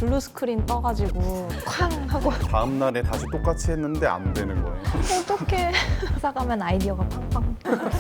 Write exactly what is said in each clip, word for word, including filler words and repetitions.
블루 스크린 떠가지고 쾅 하고 다음 날에 다시 똑같이 했는데 안 되는 거예요. 어떡해. 회사 가면 아이디어가 팡팡.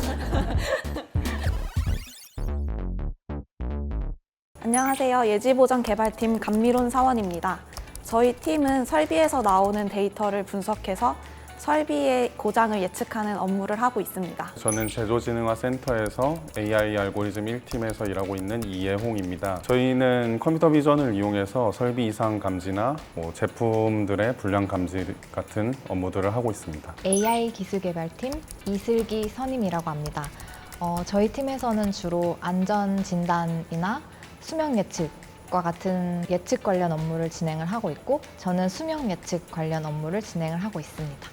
안녕하세요. 예지보장개발팀 감미론 사원입니다. 저희 팀은 설비에서 나오는 데이터를 분석해서 설비의 고장을 예측하는 업무를 하고 있습니다. 저는 제조진흥화 센터에서 에이아이 알고리즘 일 팀에서 일하고 있는 이예홍입니다. 저희는 컴퓨터 비전을 이용해서 설비 이상 감지나 뭐 제품들의 불량 감지 같은 업무들을 하고 있습니다. 에이아이 기술개발팀 이슬기 선임이라고 합니다. 어, 저희 팀에서는 주로 안전 진단이나 수명 예측과 같은 예측 관련 업무를 진행을 하고 있고, 저는 수명 예측 관련 업무를 진행을 하고 있습니다.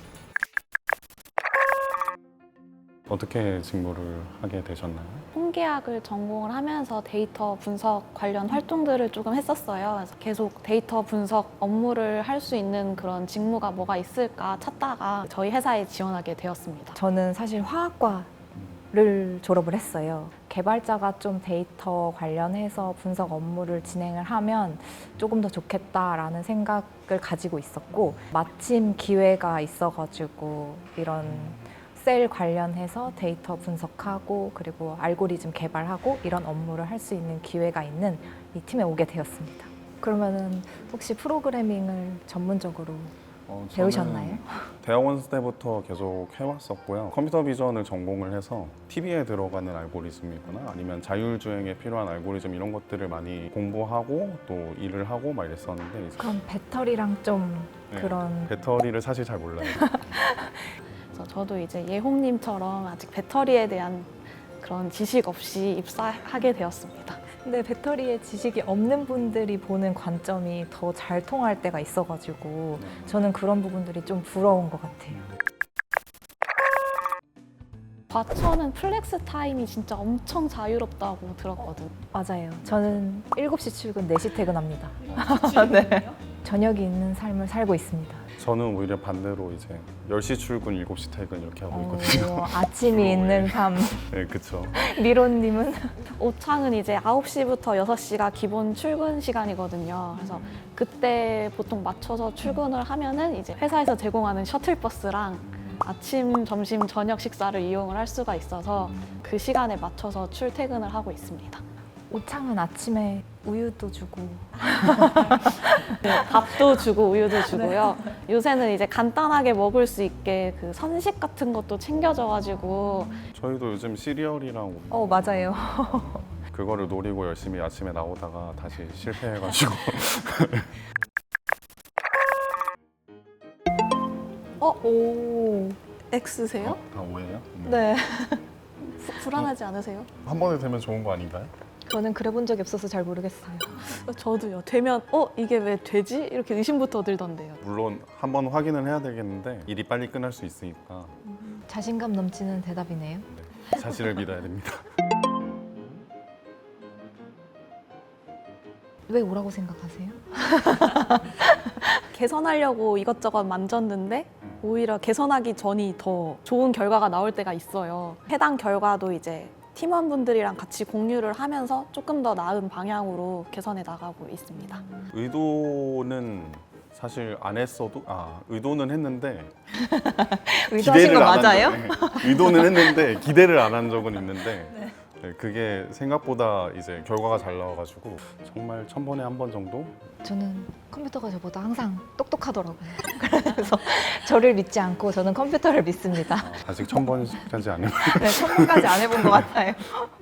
어떻게 직무를 하게 되셨나요? 통계학을 전공을 하면서 데이터 분석 관련 활동들을 조금 했었어요. 그래서 계속 데이터 분석 업무를 할 수 있는 그런 직무가 뭐가 있을까 찾다가 저희 회사에 지원하게 되었습니다. 저는 사실 화학과를 졸업을 했어요. 개발자가 좀 데이터 관련해서 분석 업무를 진행을 하면 조금 더 좋겠다라는 생각을 가지고 있었고, 마침 기회가 있어가지고 이런 셀 관련해서 데이터 분석하고 그리고 알고리즘 개발하고 이런 업무를 할 수 있는 기회가 있는 이 팀에 오게 되었습니다. 그러면은 혹시 프로그래밍을 전문적으로 어, 저는 배우셨나요? 대학원 때부터 계속 해왔었고요. 컴퓨터 비전을 전공을 해서 티비에 들어가는 알고리즘이거나 아니면 자율주행에 필요한 알고리즘 이런 것들을 많이 공부하고 또 일을 하고 막 이랬었는데 이제 그럼 배터리랑 좀 네, 그런 배터리를 사실 잘 몰라요. 그래서 저도 이제 예홍님처럼 아직 배터리에 대한 그런 지식 없이 입사하게 되었습니다. 근데 배터리에 지식이 없는 분들이 보는 관점이 더 잘 통할 때가 있어가지고 저는 그런 부분들이 좀 부러운 것 같아요. 과천은 플렉스 타임이 진짜 엄청 자유롭다고 들었거든. 맞아요. 저는 일곱 시 출근, 네 시 퇴근합니다. 네. 저녁이 있는 삶을 살고 있습니다. 저는 오히려 반대로 이제 열 시 출근, 일곱 시 퇴근 이렇게 하고 있거든요. 어, 아침이 있는 삶. 네, 그렇죠. 미로님은? 오창은 이제 아홉 시부터 여섯 시가 기본 출근 시간이거든요. 그래서 그때 보통 맞춰서 출근을 하면은 이제 회사에서 제공하는 셔틀버스랑 아침, 점심, 저녁 식사를 이용을 할 수가 있어서 그 시간에 맞춰서 출퇴근을 하고 있습니다. 오창은 아침에 우유도 주고 네, 밥도 주고 우유도 주고요. 요새는 이제 간단하게 먹을 수 있게 그 선식 같은 것도 챙겨줘가지고 저희도 요즘 시리얼이랑 어 맞아요. 그거를 노리고 열심히 아침에 나오다가 다시 실패해가지고 어? 오. X세요? 다 오해예요? 네. 부- 불안하지 않으세요? 한 번에 되면 좋은 거 아닌가요? 저는 그래 본 적이 없어서 잘 모르겠어요. 저도요. 되면 어? 이게 왜 되지? 이렇게 의심부터 들던데요. 물론 한 번 확인을 해야 되겠는데 일이 빨리 끝날 수 있으니까 자신감 넘치는 대답이네요. 네, 자신을 믿어야 됩니다. 왜 오라고 생각하세요? 개선하려고 이것저것 만졌는데 오히려 개선하기 전이 더 좋은 결과가 나올 때가 있어요. 해당 결과도 이제 팀원분들이랑 같이 공유를 하면서 조금 더 나은 방향으로 개선해 나가고 있습니다. 의도는 사실 안 했어도 아 의도는 했는데 의도하신 거 안 한 맞아요? 적- 네, 의도는 했는데 기대를 안 한 적은 있는데 네, 그게 생각보다 이제 결과가 잘 나와가지고 정말 천 번에 한 번 정도 저는 컴퓨터가 저보다 항상 똑똑하더라고요. 그래서 저를 믿지 않고 저는 컴퓨터를 믿습니다. 아, 아직 천 번까지 안 해요. 네, 천 번까지 안 해본 것 같아요.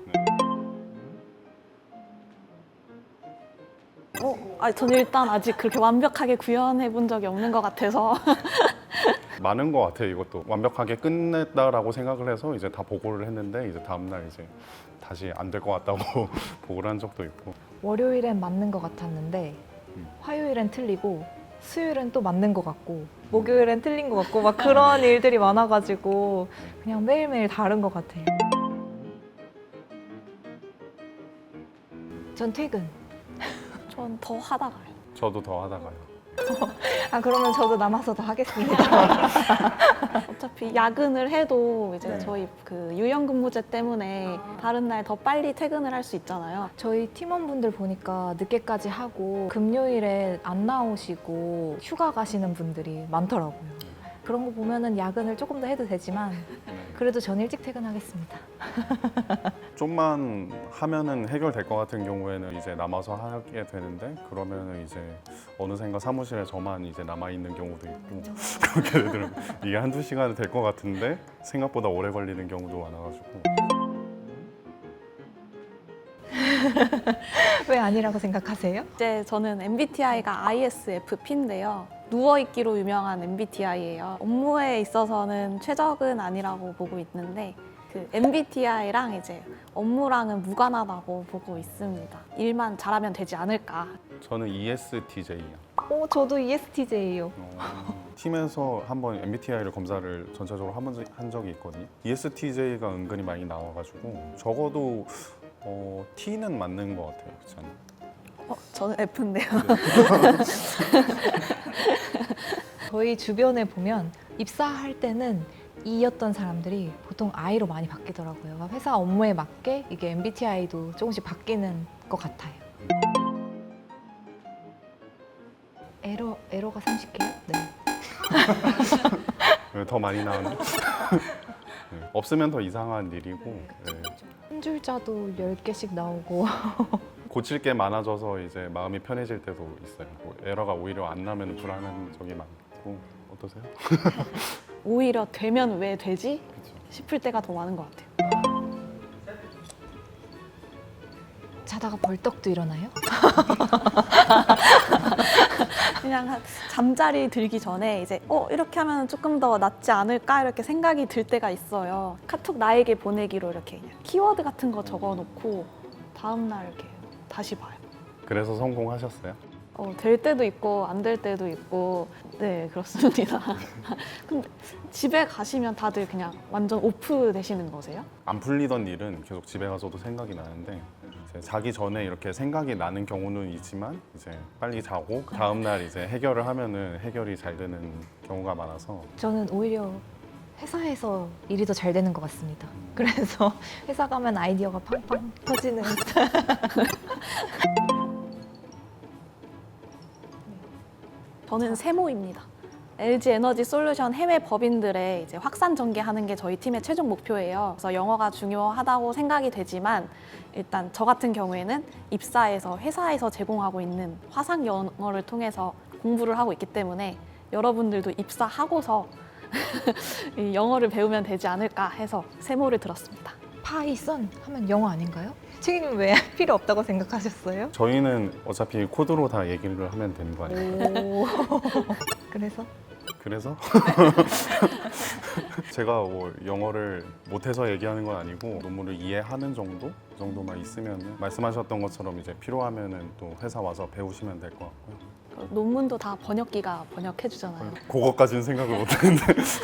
어, 아, 저는 일단 아직 그렇게 완벽하게 구현해 본 적이 없는 것 같아서 많은 것 같아요. 이것도 완벽하게 끝냈다라고 생각을 해서 이제 다 보고를 했는데 이제 다음 날 이제 다시 안 될 것 같다고 보고를 한 적도 있고. 월요일엔 맞는 것 같았는데 화요일엔 틀리고 수요일엔 또 맞는 것 같고 목요일엔 틀린 것 같고 막 그런 일들이 많아가지고 그냥 매일매일 다른 것 같아요. 전 퇴근. 전 더 하다가요. 저도 더 하다가요. 아 그러면 저도 남아서 더 하겠습니다. 어차피 야근을 해도 이제 네. 저희 그 유연근무제 때문에 다른 날 더 빨리 퇴근을 할 수 있잖아요. 저희 팀원분들 보니까 늦게까지 하고 금요일에 안 나오시고 휴가 가시는 분들이 많더라고요. 그런 거 보면은 야근을 조금 더 해도 되지만 그래도 전 일찍 퇴근하겠습니다. 좀만 하면은 해결될 것 같은 경우에는 이제 남아서 하게 되는데 그러면은 이제 어느샌가 사무실에 저만 이제 남아 있는 경우도 있고 그렇게 되더라고요. 이게 한두 시간은 될 것 같은데 생각보다 오래 걸리는 경우도 많아가지고 왜 아니라고 생각하세요? 이제 저는 엠비티아이가 아이에스에프피인데요. 누워있기로 유명한 엠비티아이예요. 업무에 있어서는 최적은 아니라고 보고 있는데 그 엠비티아이랑 이제 업무랑은 무관하다고 보고 있습니다. 일만 잘하면 되지 않을까. 저는 이에스티제이요. 오, 저도 이에스티제이요. 팀에서 한번 엠비티아이를 검사를 전체적으로 한, 번, 한 적이 있거든요. 이에스티제이가 은근히 많이 나와가지고 적어도 어, T는 맞는 것 같아요. 저는. 어, 저는 F인데요. 저희 주변에 보면 입사할 때는 E였던 사람들이 보통 I로 많이 바뀌더라고요. 회사 업무에 맞게 이게 엠비티아이도 조금씩 바뀌는 것 같아요. 에러, 에러가 삼십 개요? 네. 더 많이 나오는. 네, 없으면 더 이상한 일이고 네. 한 줄자도 열 개씩 나오고 고칠 게 많아져서 이제 마음이 편해질 때도 있어요. 뭐 에러가 오히려 안 나면 불안한 적이 많고 어떠세요? 오히려 되면 왜 되지? 그렇죠. 싶을 때가 더 많은 것 같아요. 자다가 벌떡도 일어나요? 그냥 한 잠자리 들기 전에 이제 어 이렇게 하면 조금 더 낫지 않을까 이렇게 생각이 들 때가 있어요. 카톡 나에게 보내기로 이렇게 그냥 키워드 같은 거 적어놓고 다음 날 이렇게 다시 봐요. 그래서 성공하셨어요? 어, 될 때도 있고 안 될 때도 있고 네 그렇습니다. 근데 집에 가시면 다들 그냥 완전 오프 되시는 거세요? 안 풀리던 일은 계속 집에 가서도 생각이 나는데 이제 자기 전에 이렇게 생각이 나는 경우는 있지만 이제 빨리 자고 그 다음 날 이제 해결을 하면은 해결이 잘 되는 경우가 많아서 저는 오히려 회사에서 일이 더 잘 되는 것 같습니다. 그래서 회사 가면 아이디어가 팡팡 터지는 저는 세모입니다. 엘지 에너지 솔루션 해외 법인들의 이제 확산 전개하는 게 저희 팀의 최종 목표예요. 그래서 영어가 중요하다고 생각이 되지만 일단 저 같은 경우에는 입사해서 회사에서 제공하고 있는 화상 영어를 통해서 공부를 하고 있기 때문에 여러분들도 입사하고서 이 영어를 배우면 되지 않을까 해서 세모를 들었습니다. 파이썬 하면 영어 아닌가요? 책임은 왜 필요 없다고 생각하셨어요? 저희는 어차피 코드로 다 얘기를 하면 되는 거 아니에요? 오. 그래서 그래서 제가 뭐 영어를 못해서 얘기하는 건 아니고 논문을 이해하는 정도? 그 정도만 있으면 말씀하셨던 것처럼 이제 필요하면은 또 회사 와서 배우시면 될 것 같고요. 그 논문도 다 번역기가 번역해 주잖아요. 그거까지는 생각을 못했는데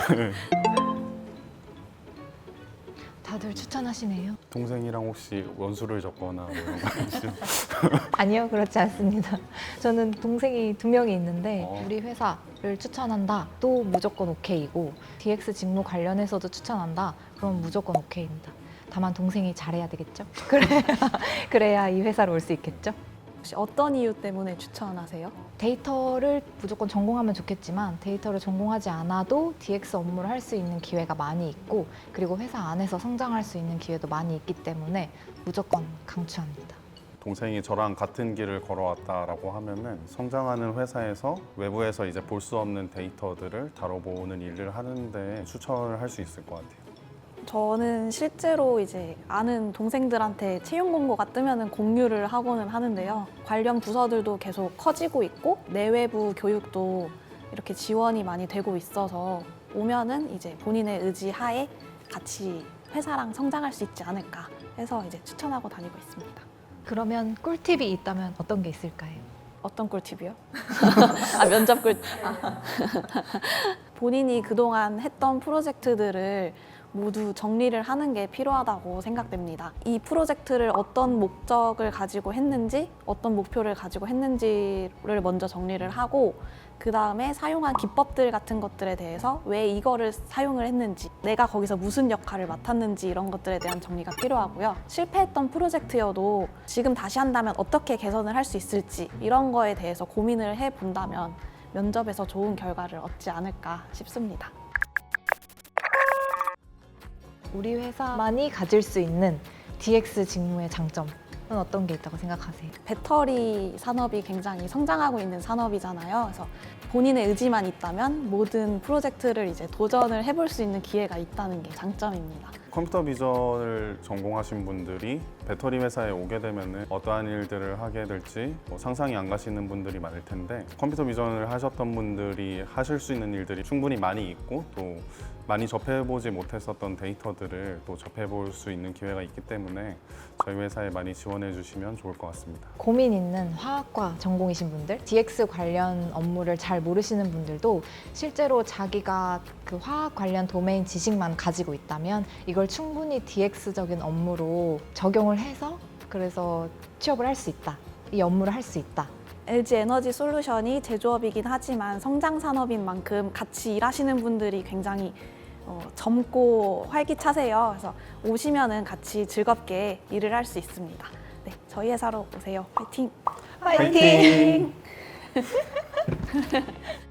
다들 추천하시네요. 동생이랑 혹시 원수를 적거나 뭐 이런 거 아니시죠? 아니요, 그렇지 않습니다. 저는 동생이 두 명이 있는데 어. 우리 회사를 추천한다. 또 무조건 오케이고 디엑스 직무 관련해서도 추천한다. 그럼 무조건 오케이입니다. 다만 동생이 잘해야 되겠죠? 그래야, 그래야 이 회사로 올 수 있겠죠? 혹시 어떤 이유 때문에 추천하세요? 데이터를 무조건 전공하면 좋겠지만 데이터를 전공하지 않아도 디엑스 업무를 할 수 있는 기회가 많이 있고 그리고 회사 안에서 성장할 수 있는 기회도 많이 있기 때문에 무조건 강추합니다. 동생이 저랑 같은 길을 걸어왔다라고 하면은 성장하는 회사에서 외부에서 이제 볼 수 없는 데이터들을 다뤄보는 일을 하는데 추천을 할 수 있을 것 같아요. 저는 실제로 이제 아는 동생들한테 채용 공고가 뜨면은 공유를 하고는 하는데요. 관련 부서들도 계속 커지고 있고 내외부 교육도 이렇게 지원이 많이 되고 있어서 오면은 이제 본인의 의지 하에 같이 회사랑 성장할 수 있지 않을까 해서 이제 추천하고 다니고 있습니다. 그러면 꿀팁이 있다면 어떤 게 있을까요? 어떤 꿀팁이요? 아, 면접 꿀팁. 본인이 그동안 했던 프로젝트들을 모두 정리를 하는 게 필요하다고 생각됩니다. 이 프로젝트를 어떤 목적을 가지고 했는지, 어떤 목표를 가지고 했는지를 먼저 정리를 하고, 그 다음에 사용한 기법들 같은 것들에 대해서 왜 이거를 사용을 했는지, 내가 거기서 무슨 역할을 맡았는지 이런 것들에 대한 정리가 필요하고요. 실패했던 프로젝트여도 지금 다시 한다면 어떻게 개선을 할 수 있을지 이런 거에 대해서 고민을 해본다면 면접에서 좋은 결과를 얻지 않을까 싶습니다. 우리 회사만이 가질 수 있는 디엑스 직무의 장점은 어떤 게 있다고 생각하세요? 배터리 산업이 굉장히 성장하고 있는 산업이잖아요. 그래서 본인의 의지만 있다면 모든 프로젝트를 이제 도전을 해볼 수 있는 기회가 있다는 게 장점입니다. 컴퓨터 비전을 전공하신 분들이 배터리 회사에 오게 되면 어떠한 일들을 하게 될지 뭐 상상이 안 가시는 분들이 많을 텐데, 컴퓨터 비전을 하셨던 분들이 하실 수 있는 일들이 충분히 많이 있고, 또 많이 접해보지 못했었던 데이터들을 또 접해볼 수 있는 기회가 있기 때문에 저희 회사에 많이 지원해 주시면 좋을 것 같습니다. 고민 있는 화학과 전공이신 분들, 디엑스 관련 업무를 잘 모르시는 분들도 실제로 자기가 그 화학 관련 도메인 지식만 가지고 있다면 이걸 충분히 디엑스적인 업무로 적용을 해서 그래서 취업을 할 수 있다. 이 업무를 할 수 있다. 엘지 에너지 솔루션이 제조업이긴 하지만 성장 산업인 만큼 같이 일하시는 분들이 굉장히 어, 젊고 활기차세요. 그래서 오시면은 같이 즐겁게 일을 할 수 있습니다. 네, 저희 회사로 오세요. 화이팅! 화이팅!